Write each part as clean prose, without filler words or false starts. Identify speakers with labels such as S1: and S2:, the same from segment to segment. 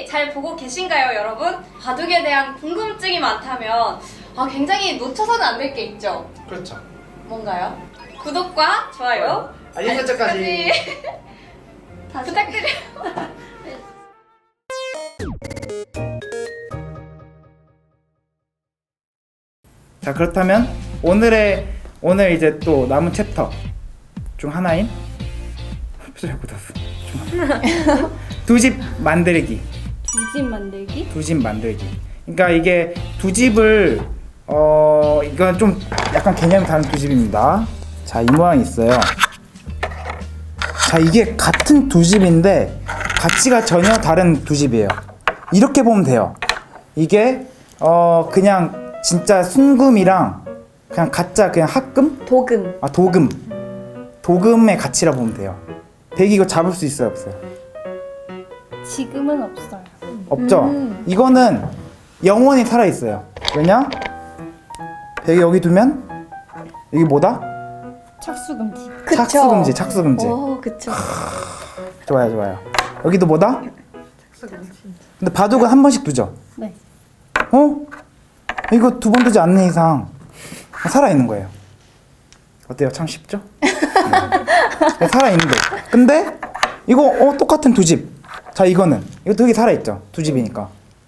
S1: 잘 보고 계신가요, 여러분? 바둑에 대한 궁금증이 많다면 굉장히 놓쳐서는 안 될 게 있죠.
S2: 그렇죠.
S1: 뭔가요? 구독과 좋아요,
S2: 알림 설정까지.
S1: 부탁드려요.
S2: 자, 그렇다면 오늘 이제 또 남은 챕터 중 하나인 표정이 굳었어. 두 집 만들기.
S3: 두 집 만들기?
S2: 두 집 만들기. 그러니까 이게 두 집을 이건 좀 약간 개념이 다른 두 집입니다. 자, 이 모양이 있어요. 자, 이게 같은 두 집인데 가치가 전혀 다른 두 집이에요. 이렇게 보면 돼요. 이게 그냥 진짜 순금이랑 그냥 가짜 그냥 합금?
S3: 도금.
S2: 아, 도금의 가치라 보면 돼요. 백이 이거 잡을 수 있어요, 없어요?
S3: 지금은 없어요.
S2: 없죠? 이거는 영원히 살아있어요. 왜냐? 백이 여기 두면 여기 뭐다?
S3: 착수금지.
S2: 착수금지, 착수금지.
S3: 오, 그쵸.
S2: 좋아요. 여기도 뭐다? 근데 바둑은 한 번씩 두죠?
S3: 네.
S2: 이거 두 번 두지 않는 이상 살아있는 거예요. 어때요? 참 쉽죠? 네. 살아있는 거. 근데 이거 똑같은 두 집. 자, 이거는 이것도 여기 살아있죠? 두 집이니까.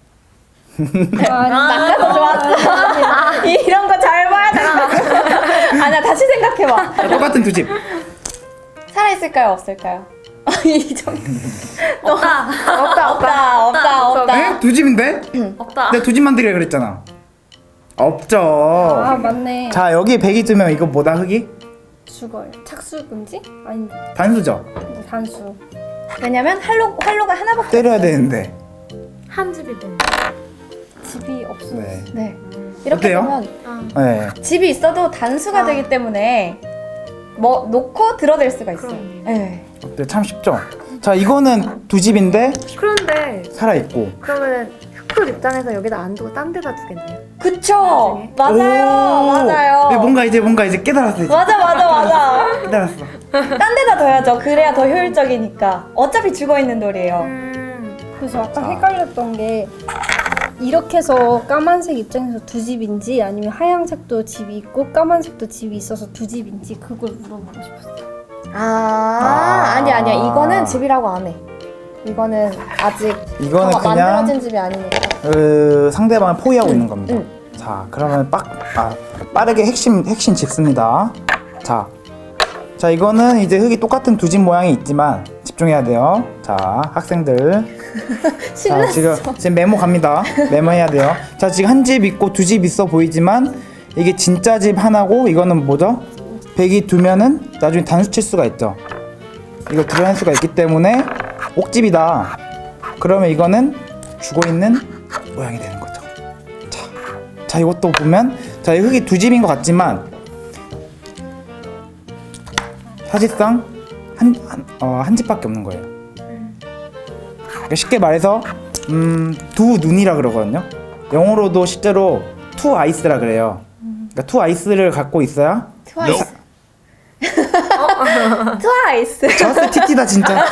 S3: 아까 좋았어. 이런 거 잘 봐야 돼. 아니야, 다시 생각해봐.
S2: 똑같은 두 집.
S3: 살아있을까요? 없을까요? 이 정도.
S1: 없다.
S3: 없다.
S2: 에? 두 집인데?
S1: 없다.
S2: 내가 두 집 만들기라 그랬잖아. 없죠.
S3: 아, 맞네.
S2: 자, 여기 백이 두면 이거 뭐다? 흙이?
S3: 죽어요. 착수금지? 아닌데.
S2: 단수죠?
S3: 단수. 왜냐면 활로가 하나밖에
S2: 때려야 되는데.
S4: 한 집이 되는
S3: 집이 없어요.
S2: 네.
S3: 네. 이렇게
S2: 어때요?
S3: 되면
S2: 네.
S3: 집이 있어도 단수가 되기 때문에 뭐 놓고 들어댈 수가 있어요.
S4: 그럼요.
S3: 네.
S2: 어때? 참 쉽죠? 자, 이거는 두 집인데
S4: 그런데
S2: 살아있고.
S4: 그러면 흑돌 입장에서 여기다 안 두고 딴 데다 두겠네요.
S3: 그쵸?
S4: 나중에?
S3: 맞아요.
S2: 네, 뭔가 이제 깨달았어. 이제.
S3: 맞아.
S2: 깨달았어.
S3: 딴 데다 둬야죠. 그래야 더 효율적이니까. 어차피 죽어있는 돌이에요.
S5: 그래서 아까
S2: 자.
S5: 헷갈렸던 게 이렇게 해서 까만색 입장에서 두 집인지 아니면 하얀색도 집이 있고 까만색도 집이 있어서 두 집인지 그걸 물어보고 싶었어요.
S3: 아니야. 이거는 집이라고 안 해. 이거는 아직
S2: 이거는
S3: 더
S2: 그냥
S3: 만들어진 집이 아니니까.
S2: 상대방을 포위하고 있는 겁니다. 자, 그러면 빠르게 핵심 짚습니다. 자, 이거는 이제 흙이 똑같은 두 집 모양이 있지만 집중해야 돼요. 자, 학생들. 자, 지금 메모 갑니다. 메모해야 돼요. 자, 지금 한 집 있고 두 집 있어 보이지만 이게 진짜 집 하나고 이거는 뭐죠? 백이 두면은 나중에 단수 칠 수가 있죠. 이거 드러낼 수가 있기 때문에 옥집이다. 그러면 이거는 죽어있는 모양이 되는 거죠. 자, 이것도 보면 자, 이 흙이 두 집인 것 같지만 사실상 한 집밖에 없는 거예요. 그러니까 쉽게 말해서 두 눈이라 그러거든요. 영어로도 실제로 투 아이스라 그래요. 그러니까 투 아이스를 갖고 있어야
S3: 트와이스. 트와이스.
S2: 저스 TT다 진짜.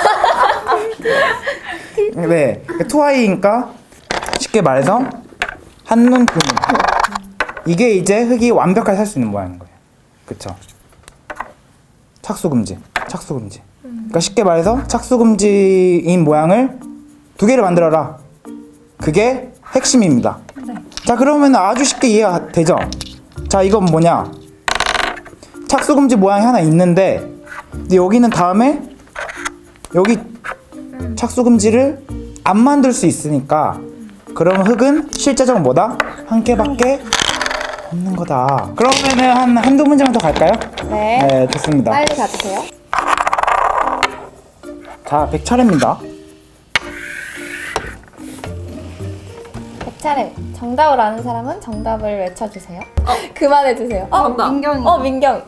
S2: 네, 그러니까 투아이니까 쉽게 말해서 한눈 두 눈. 이게 이제 흙이 완벽하게 살 수 있는 모양인 거예요. 그쵸? 착수금지. 그러니까 쉽게 말해서 착수금지인 모양을 두 개를 만들어라. 그게 핵심입니다. 자, 그러면 아주 쉽게 이해가 되죠? 자, 이건 뭐냐? 착수금지 모양이 하나 있는데 근데 여기는 다음에 여기 착수금지를 안 만들 수 있으니까 그러면 흙은 실제적으로 뭐다? 한 개밖에 없는 거다. 그러면은 한두 문제만 더 갈까요?
S3: 네.
S2: 좋습니다.
S3: 빨리 가주세요.
S2: 자, 100차례입니다.
S3: 100차례. 정답을 아는 사람은 정답을 외쳐주세요. 그만해주세요.
S1: 정답.
S5: 민경이.
S3: 민경.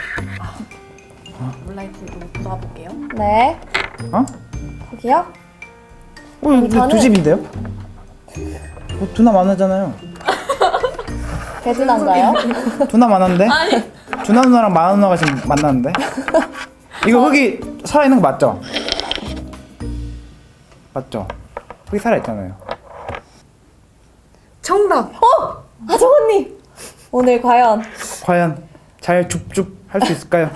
S1: 온라인으로 놔볼게요.
S3: 네. 거기요?
S2: 이거 두 집인데요? 두나 만화잖아요.
S3: 대두난가요?
S2: 두나 만화인데? 두나 누나랑 만화 누나가 지금 만났는데? 이거 흙이 살아있는 거 맞죠? 맞죠? 흑이 살아있잖아요.
S4: 정답.
S3: 하정 언니 오늘 과연
S2: 과연 잘 줍줍 할 수 있을까요?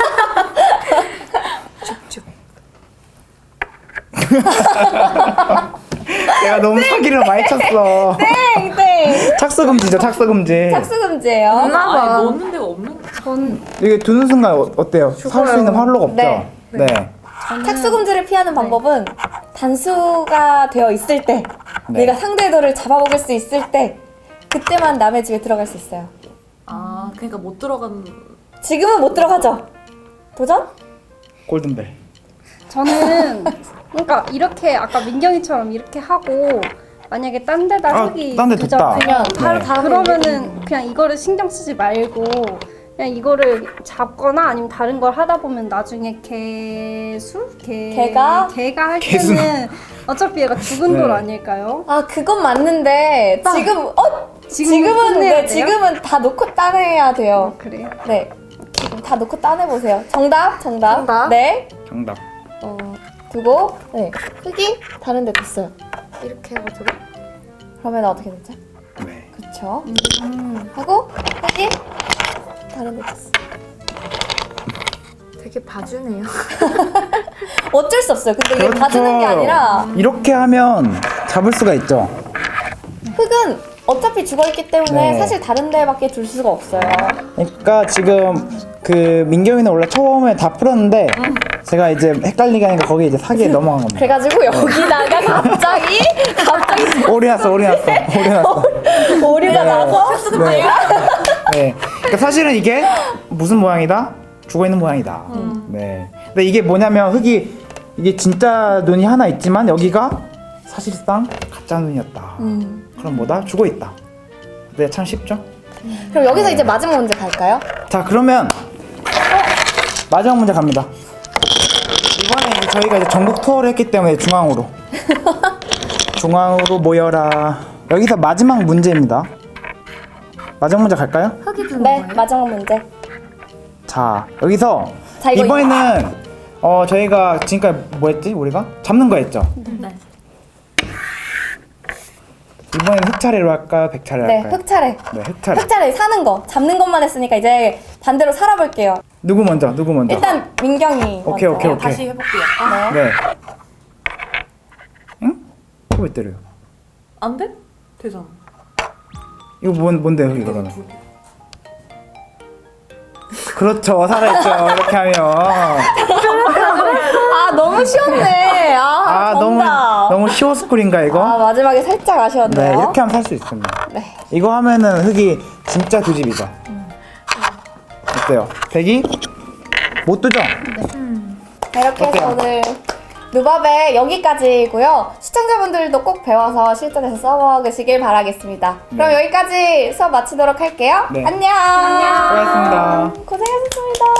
S4: 줍줍.
S2: 내가 너무 사기를 많이 쳤어.
S3: 땡땡
S2: 착수금지죠, 착수금지.
S3: 착수금지예요.
S4: 없나 봐.
S6: 넣는 데가 없는
S5: 전
S2: 이게 두는 순간 어때요? 살 수 있는 활로가 없죠?
S3: 네.
S2: 네.
S3: 착수금지를 피하는 방법은 단수가 되어 있을 때
S2: 네.
S3: 내가 상대도를 잡아먹을 수 있을 때 그때만 남의 집에 들어갈 수 있어요.
S6: 아, 그러니까 못 들어간.
S3: 지금은 못 들어가죠. 도전?
S2: 골든벨.
S5: 저는 그러니까 이렇게 아까 민경이처럼 이렇게 하고 만약에 딴 데다
S2: 아,
S5: 흙이
S2: 딴데 뒀다.
S5: 두잖아요.
S3: 그냥
S2: 네.
S5: 그러면은 그냥 이거를 신경 쓰지 말고 그냥 이거를 잡거나 아니면 다른 걸 하다 보면 나중에 개가 할
S2: 개수.
S5: 때는 어차피 얘가 죽은
S2: 네.
S5: 돌 아닐까요?
S3: 아 그건 맞는데 지금은
S5: 끝내야
S3: 네,
S5: 돼요?
S3: 지금은 다 놓고 따내야 돼요.
S5: 그래요?
S3: 네. 다 놓고 따내 보세요. 정답.
S4: 정답.
S3: 네.
S2: 정답.
S3: 두고 네. 흙이 다른 데 됐어요.
S4: 이렇게 해가지고.
S3: 그러면 어떻게 되죠?
S2: 네.
S3: 그렇죠. 하고 흙이 다른 데 됐어.
S4: 되게 봐주네요.
S3: 어쩔 수 없어요. 근데 이게
S2: 그렇죠.
S3: 봐주는 게 아니라
S2: 이렇게 하면 잡을 수가 있죠.
S3: 흙은 어차피 죽어있기 때문에
S2: 네.
S3: 사실 다른 데밖에 둘 수가 없어요.
S2: 그러니까 지금 그 민경이는 원래 처음에 다 풀었는데 제가 이제 헷갈리게 하니까 거기에 이제 사기에 넘어간 겁니다.
S3: 그래가지고 여기다가 갑자기
S2: 오리 났어.
S3: 오류가 나서
S2: 네. 네. 그러니까 사실은 이게 무슨 모양이다? 죽어 있는 모양이다. 네. 근데 이게 뭐냐면 흙이 이게 진짜 눈이 하나 있지만 여기가 사실상 가짜 눈이었다. 그럼 뭐다? 죽어 있다. 네, 참 쉽죠?
S3: 그럼 여기서 이제 마지막 문제 갈까요?
S2: 자, 그러면 마지막 문제 갑니다. 이번에 이제 저희가 이제 전국 투어를 했기 때문에 중앙으로 모여라. 여기서 마지막 문제입니다. 마지막 문제 갈까요?
S4: 흙이 드는
S3: 네,
S4: 거예요?
S3: 마지막 문제.
S2: 자, 여기서
S3: 자, 이거
S2: 이번에는 저희가 지금까지 뭐 했지? 우리가? 잡는 거 했죠?
S6: 네.
S2: 이번에는 흙 차례로 할까요? 백 차례로
S3: 네,
S2: 할까요?
S3: 흙 차례.
S2: 네, 흙 차례.
S3: 흙 차례 사는 거, 잡는 것만 했으니까 이제 반대로 살아볼게요.
S2: 누구 먼저?
S3: 일단 민경이
S2: 오케이,
S3: 먼저.
S2: 오케이.
S6: 다시 해볼게요.
S3: 네.
S2: 네. 응? 왜 때려요?
S6: 안 돼? 되잖아.
S2: 이거 뭔데요, 이거 그러면? 그렇죠, 살아있죠. 이렇게 하면.
S3: 아 너무 쉬웠네. 아, 정답.
S2: 너무 쉬워 스쿨인가 이거?
S3: 아 마지막에 살짝 아쉬웠네요.
S2: 네, 이렇게 하면 살 수 있습니다.
S3: 네.
S2: 이거 하면은 흙이 진짜 두 집이죠. 어때요? 백이 못 두죠?
S3: 자, 이렇게 해서
S2: 어때요?
S3: 오늘 누밥의 여기까지고요. 시청자분들도 꼭 배워서 실전에서 써먹으시길 바라겠습니다. 그럼 여기까지 수업 마치도록 할게요.
S2: 네.
S3: 안녕.
S2: 수고하셨습니다.
S3: 고생하셨습니다.